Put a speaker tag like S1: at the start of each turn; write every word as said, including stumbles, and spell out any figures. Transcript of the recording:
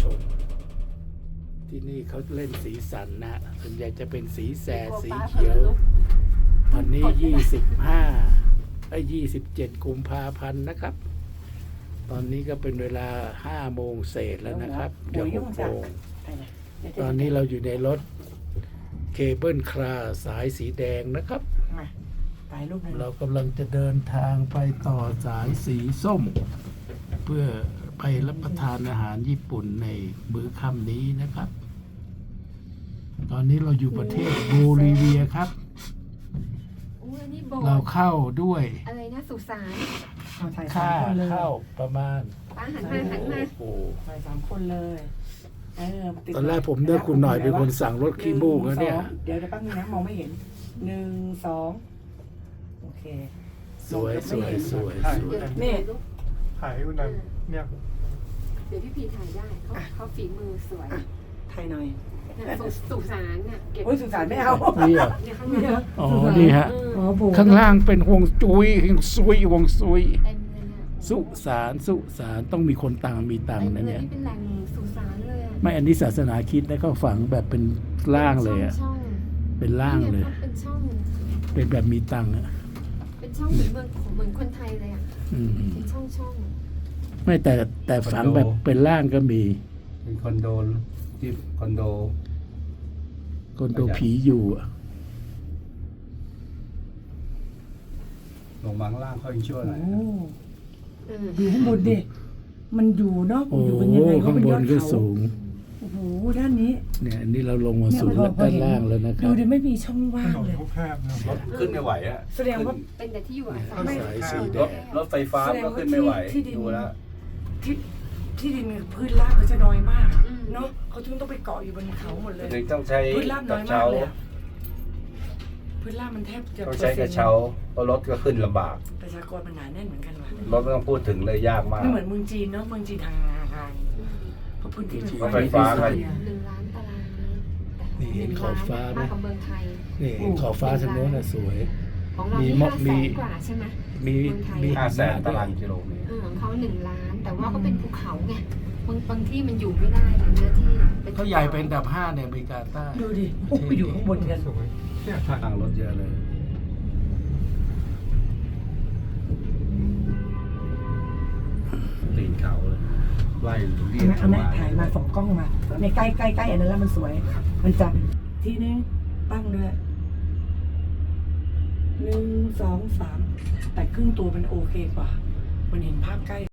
S1: มที่นี่เขาเล่นสีสันนะส่วนใหญ่จะเป็นสีแสดสีเขียวตอนนี้ยี่สิบห้าไอ้ยี่สิบเจ็ดกุมภาพันธ์นะครับตอนนี้ก็เป็นเวลาห้าโมงเศษแล้วนะครับเดี๋ยวหกโมงตอนนี้เราอยู่ในรถเคเบิลคาร์สายสีแดงนะครับเรากำลังจะเดินทางไปต่อสายสีส้มเพื่อไปรับประทานอาหารญี่ปุ่นในมื้อค่ำนี้นะครับ ตอนนี้เราอยู่ประเทศโบลิเวียครับเราเข้าด้วย
S2: อะไรนะสุสาน
S1: ค่าเข้าประมาณ
S2: ป้าหันมาหันมา
S1: โอ้
S3: ไปสามคนเลยเออ
S1: ตอนแรกผมเลือกคุณหน่อยเป็นคนสั่งรถขี้มูกแล้วเนี่ย
S3: เดี๋ยวจะแป๊บนึงนะมองไม่เห็นหนึ่งสองโอเค
S1: สวยสวยสวยสวย
S3: นี่
S4: ถ่ายคุณนั้นเนี่ย
S2: เดี๋ยวพี่พีถ่ายได้เขาเขาฝีมือสวย
S3: ถ่ายหน่อย
S2: สุสานเนี่ย
S3: โอ้ยสุสานไม่เอา
S1: นี่อ่ะอ๋อนี่ฮะข้างล่างเป็นฮวงจุ้ยฮวงซุยฮวงซุยสุสานสุสานต้องมีคนตังมีตังนะเนี่ย
S2: เป็นแหล่งสุสานเลย
S1: ไม่อันนี้ศาสนาคริสต์นะเขาฝังแบบเป็นล่างเลยอ่ะเป็นล่างเลย
S2: เป็นช่อง
S1: เป็นแบบมีตังอ่ะ
S2: เป็นช่องเหมือนเมืองเหมือนคนไทยเลยอ่ะเป็นช่องช่อง
S1: ไม่แต่แต่ฝังแบบเป็นล่างก็มี
S4: เป็นคอนโดที่คอนโด
S1: คอนโดผีอยู่อ่ะ
S4: ลงมาข้างล่างเขาอินชั่วหน่อย
S3: อยู่ข้างบนดิมันอยู่เนาะ
S1: โอ้ข้างบนก็สูง
S3: โอ้โหด้านนี้
S1: เนี่ยอันนี้เราลงมาสู่ด้านล่างแล้วนะครับ
S3: ดูดิไม่มีช่องว่างเลย
S4: รถขึ้นไม่ไหวอ่ะ
S3: แสดงว่า
S2: เป็นแต่ที่อยู่อาศัย
S1: สายสีแดง
S4: รถไฟฟ้าก็ขึ้นไม่ไหวดูแล้ว
S3: ที่ที่ดินพืชรากเขาจะน้อยมากเนาะเขาจึงต้องไปเกาะอยู่บนเขาหมดเลย
S4: ต้องใช้
S3: พืชรากน้อยมากเลยพืชรากมันแทบจะ
S4: ต้องใช้กระเช้าเพราะรถก็ขึ้นลำบาก
S3: ประชากรมันหนาแน่นเหมือนกันว่ะ
S4: รถไม่ต้องพูดถึงเลยยากมาก
S3: ไม่เหมือนเมืองจีนเนาะเมืองจีนทางทางเพราะพื้นที่
S4: รถไฟฟ้า
S2: หนึ่งล้านตารางเมตร
S1: นี่เห็นขอบฟ้าไหม
S2: มากกว่าเมืองไทย
S1: นี่เห็นขอบฟ้าทางโน้นน่ะสวย
S2: ของเรามีห้าแสนกว่าใช่ไหม
S1: มี
S4: มีห้าแสนตารางกิโลเมตร
S2: ของเขาหนึ่งล้านแต่ว่าก็เป็นภูเขาไงบางบางที่มันอยู่ไม่ได้เนื้อที่
S1: เขาใหญ่เป็นอันดับห้าในอเมริกาใต้
S3: ดูดิไปอยู่ข้างบนกัน
S4: ทางรถเยอะเลยตีนเขาเลยไล่เรียก
S3: อันนั้นถ่ายมาส่องกล้องมาในใกล้ใกล้ใกล้อันนั้นแล้วมันสวยมันจะทีนึงตั้งด้วยหนึ่งสองสามแต่ครึ่งตัวมันโอเคกว่ามันเห็นภาพใกล้